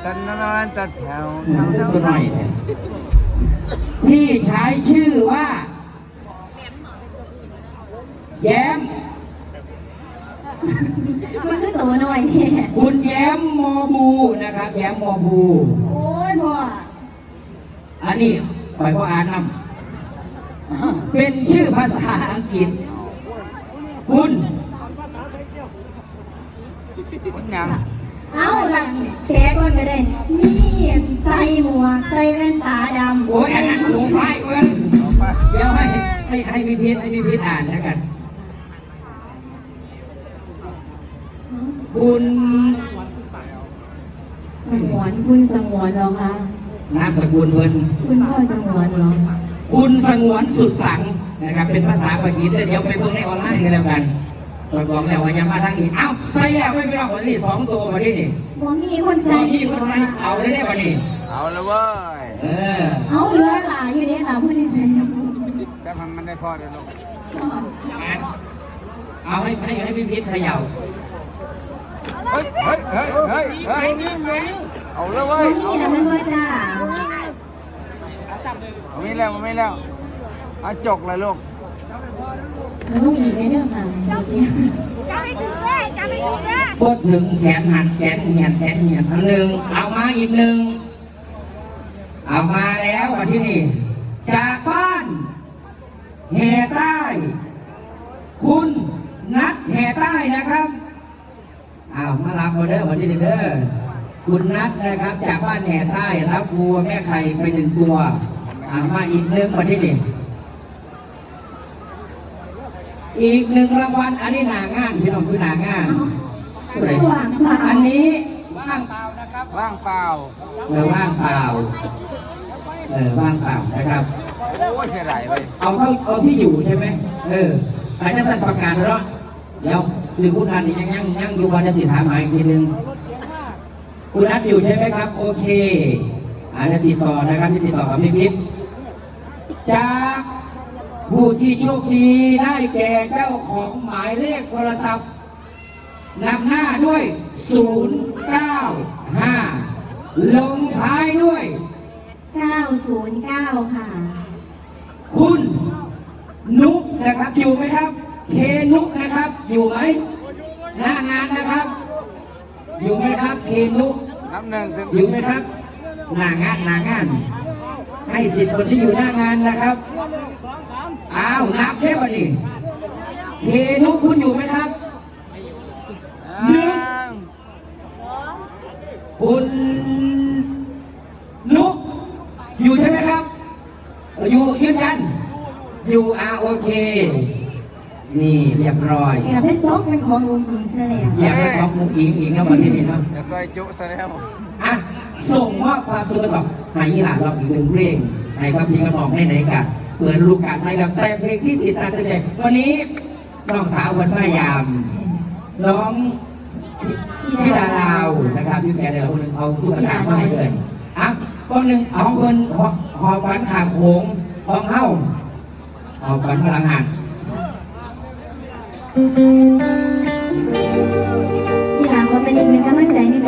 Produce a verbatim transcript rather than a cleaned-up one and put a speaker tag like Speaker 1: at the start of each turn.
Speaker 1: ตันนานตัดแถว
Speaker 2: ตัวหน่อยเนี่ยที่ใช้ชื่อว่าแย้ม
Speaker 3: มันคือตัวหน่อยเนี่ย
Speaker 2: คุณแย้มมอบูนะครับแย้มมอบู
Speaker 3: โอ้ยพ่อ
Speaker 2: อันนี้คอยพ่ออ่านนำเป็นชื่อภาษาอังกฤษคุณ
Speaker 1: มันยัง
Speaker 3: เอาหลังแขกก่อนก็ได้นี่ใส่หมวกใส่แว่นตาดำ
Speaker 2: โอ้ยอันนั้นหลวงพ่ายเอิ้นเดี๋ยวให้ให้ให้มีพิษให้มีพิษอ่านแล้วกันคุณ
Speaker 3: สงวนคุณสงวนเหรอคะ
Speaker 2: นามสกุลเพิ่น
Speaker 3: คุณพ่อสงวนเหรอ
Speaker 2: คุณสงวนสุดสังนะครับเป็นภาษาอังกฤษเดี๋ยวไปเบิ่งในออนไลน์กันแล้วกันเราบอกแล้วว่าอย่ามาทางนี้เอ้าใส่แล้วไม่ไปรอกวันนี้สองตัวมาที่นี่
Speaker 3: บ่มีคน
Speaker 2: ตอ
Speaker 3: ใส่
Speaker 2: นที่คนใส่เอาได้ได้วันนี้
Speaker 1: เอาละเว้ย
Speaker 2: เออ
Speaker 3: เอาเหลือหลายอยู่เนี่ยหลายคนที่ใส่
Speaker 1: แต่มันมันได้พอเดี๋ยวลูก
Speaker 2: เอาให้ให้ให้พี่พิษเขย่า
Speaker 1: เฮ้ยเฮ้ยเฮ้ยเฮ้ยเฮ้ยเอาละเว้
Speaker 3: บ่
Speaker 1: ย
Speaker 3: มีนะมันว่าจ้า
Speaker 1: เอาไม่แล้วไม่แล้วเอาจกเลยลูก
Speaker 3: ลูกอีกในเรื่องค่ะ
Speaker 2: พูดถึงแขนหักแขนเหียนแขนเหียนอันหนึ่งเอามาอีกหนึ่งเอามาแล้ววันที่นี่จากบ้านแห่ใต้ คุณนัดแห่ใต้นะครับอ้าวมารับออเดอร์วันที่นี่เด้อคุณนัดนะครับจากบ้านแห่ใต้รับวัวแม่ไข่ไปหนึ่งตัวเอามาอีกหนึ่งวันที่นี่อีกหนึ่งรางวัลอันนี้หนางานพี่น้องคือหนางานอันนี้ว่างเปล่านะครับ
Speaker 1: ว่างเปล่า
Speaker 2: เออว่างเปล่าเออว่างเปล่านะครับ
Speaker 1: โอ้ยเสียดายเลย
Speaker 2: เอาเท่าเอาที่อยู่ใช่ไหมเอออาจจะสั่นประกาศแล้วเดี๋ยวสื่อพูดอันนี้ยังยังยังอยู่วันจะสิถามหาอีกทีนึงคุณนัดอยู่ใช่ไหมครับโอเคอาจจะติดต่อนะครับที่ติดต่อกับพี่พิษจากผู้ที่โชคดีได้แก่เจ้าของหมายเลขโทรศัพท์นำหน้าด้วย ศูนย์ เก้า ห้า ลงท้ายด้วย
Speaker 3: เก้าศูนย์เก้าค่ะ
Speaker 2: คุณนุกนะครับอยู่ไหมครับ เคนุกนะครับ อยู่ไหมหน้างานนะครับ อยู่ไหมครับ เคนุก
Speaker 1: นับหนึ่งถึง
Speaker 2: อยู่ไหมครับหน้างานหน้างาน ให้สิทธิ์คนที่อยู่หน้างานนะครับอ้าวนับแค่วันนี้เคนุกคุณอยู่ไหมครับ หนึ่ง คุณนุกอยู่ใช่ไหมครับ อยู่ยืนยันอยู่อาโอเค นี่เรียบร้อย
Speaker 3: แต่เป็นโต๊ะเป็นขององค์หญิงซะแล้ว
Speaker 2: อยากให้ของมุกอิงอีกนะวันที่นี่เนาะ
Speaker 1: จะซอยจุซะแล้ว
Speaker 2: อ่ะส่งมอบความสุขต่อให้หลานเราอีกหนึ่งเพลงให้กับพี่กระหม่อมในไหนกันเปิดลูกการให้เราแต่เพลงที่ติดตามตั้งใจวันนี้น้องสาววันพยายาม น้องที่ดาลาวนะครับยูแกนเราคนหนึ่งเอาตุ๊กตามาให้เลยอ่ะคนหนึ่งเอาเงินหอฝันขามโขงห้องเฮ้าหอฝันพลังงาน
Speaker 3: พี่หลานก็เป็นอีกหนึ่งกำลังใจใน